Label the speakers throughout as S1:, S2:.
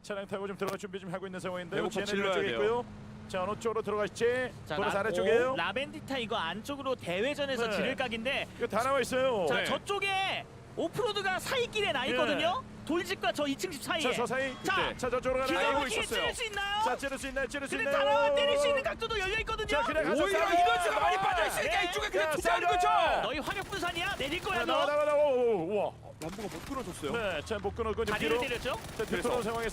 S1: 차량 타고 좀 들어갈 준비 좀 하고 있는 상황인데
S2: 배고파
S1: 쟤네
S2: 질러야
S1: 쪽에
S2: 돼요.
S1: 있고요. 자 어느 쪽으로 들어가실지
S3: 자,
S1: 보너스 아래쪽이에요.
S3: 라벤디타 이거 안쪽으로 대회전에서
S1: 네.
S3: 지를 각인데
S1: 이거 다 나와 있어요.
S3: 자
S2: 네.
S3: 저쪽에 오프로드가 사이길에 나 있거든요. 돌집과 저 2층 집 사이에.
S1: 저 사이.
S3: 자,
S1: 자 저쪽으로
S3: 기가
S1: 가나.
S3: 막히게
S2: 있었어요.
S3: 찌를 수 있나요?
S1: 자 찌를 수 있나요? 찌를 수
S3: 근데
S1: 있나요?
S3: 다나와 때릴 수 있는 각도도 열려 있거든요.
S1: 자 그냥 가서
S2: 오히려
S1: 싸워.
S2: 이너즈가 많이 빠져있으니까
S3: 네.
S2: 이쪽에 그냥
S1: 야,
S2: 투자하는
S1: 싸워.
S2: 거죠.
S3: 너희 화력 분산이야? 내릴 거야
S1: 나와
S3: 너.
S1: 나와 나와. 우와.
S2: 람보가 못 끊어줬어요.
S1: 네, 자못 끊었고 이제
S3: 다리를
S1: 뒤로.
S3: 때렸죠?
S1: 자 뒤로
S2: 그래서.
S1: 상황에서.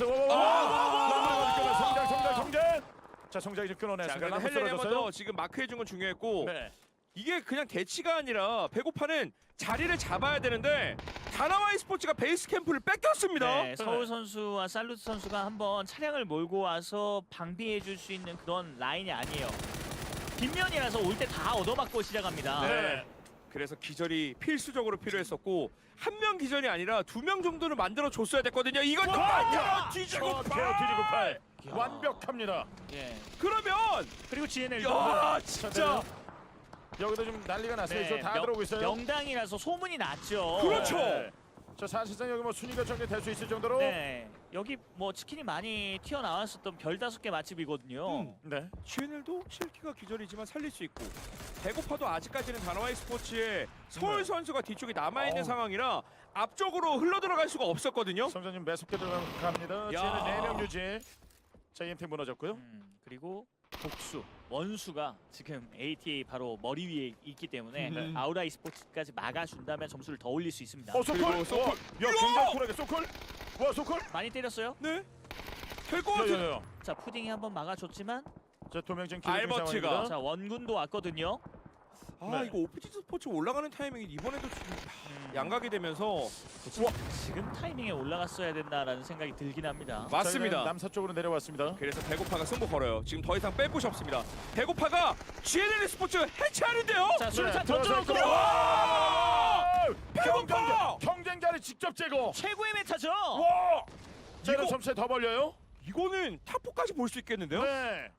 S1: 성장. 자 성장이 좀
S2: 자,
S1: 끊어냈습니다.
S2: 그래도
S1: 한번
S2: 헬렌이 한번
S1: 쓰러졌어요.
S2: 더 지금 마크해준 건 중요했고
S1: 네.
S2: 이게 그냥 대치가 아니라 배고파는 자리를 잡아야 되는데 다나와이 스포츠가 베이스 캠프를 뺏겼습니다.
S3: 네, 서울 선수와 살루트 선수가 한번 차량을 몰고 와서 방비해 줄 수 있는 그런 라인이 아니에요. 뒷면이라서 올 때 다 얻어맞고 시작합니다.
S1: 네.
S2: 그래서 기절이 필수적으로 필요했었고 한 명 기절이 아니라 2명 정도는 만들어 줬어야 됐거든요. 이건 만들어 뒤지고
S1: 뒤지고 팔.
S3: 야.
S1: 완벽합니다.
S3: 예.
S2: 그러면
S3: 그리고 GNL
S2: 야 진짜
S1: 여기도 좀 난리가 났어요.
S3: 네,
S1: 저 다 들어오고 있어요.
S3: 명당이라서 소문이 났죠.
S2: 그렇죠.
S1: 네. 저 사실상 여기 뭐 순위가 정리될 수 있을 정도로.
S3: 네, 여기 뭐 치킨이 많이 튀어나왔었던 별 5개 맛집이거든요.
S1: 네.
S2: GNL도 실키가 기절이지만 살릴 수 있고 배고파도 아직까지는 다나와이 스포츠의 서울
S1: 네.
S2: 선수가 뒤쪽에 남아있는
S1: 어우.
S2: 상황이라 앞쪽으로 흘러들어갈 수가 없었거든요.
S1: 성장님 매섭게 들어갑니다.
S2: 야.
S1: 지혜는 4명 유지. 자 EMT 무너졌고요.
S3: 그리고 복수, 원수가 지금 ATA 바로 머리 위에 있기 때문에
S2: 네.
S3: 아우라이 스포츠까지 막아준다면 점수를 더 올릴 수 있습니다.
S1: 소콜.
S2: 그리고 소콜.
S1: 야 굉장히 쿨하게 소콜. 와 소콜.
S3: 많이 때렸어요.
S2: 네. 될 것 같은.
S1: 야야야.
S3: 자 푸딩이 한번 막아줬지만
S1: 자 도명진
S2: 알버트가.
S3: 자 원군도 왔거든요.
S2: 아
S1: 네.
S2: 이거 오피지 스포츠 올라가는 타이밍이 이번에도 좀 양각이 되면서
S3: 지금 타이밍에 올라갔어야 된다라는 생각이 들긴 합니다.
S2: 맞습니다.
S1: 남서쪽으로 내려왔습니다.
S2: 그래서 배고파가 승부 걸어요. 지금 더 이상 뺄 곳이 없습니다. 배고파가 GNL 스포츠 해체하는데요.
S3: 자 수류탄
S1: 들어와서
S3: 던져놓고
S1: 있고요. 와!
S2: 배고파!
S1: 경쟁자를 직접 제거.
S3: 최고의 메타죠.
S1: 와! 자 이런
S2: 이거-
S1: 점수에 더 벌려요?
S2: 이거는 탑4까지 볼 수 있겠는데요?
S1: 네.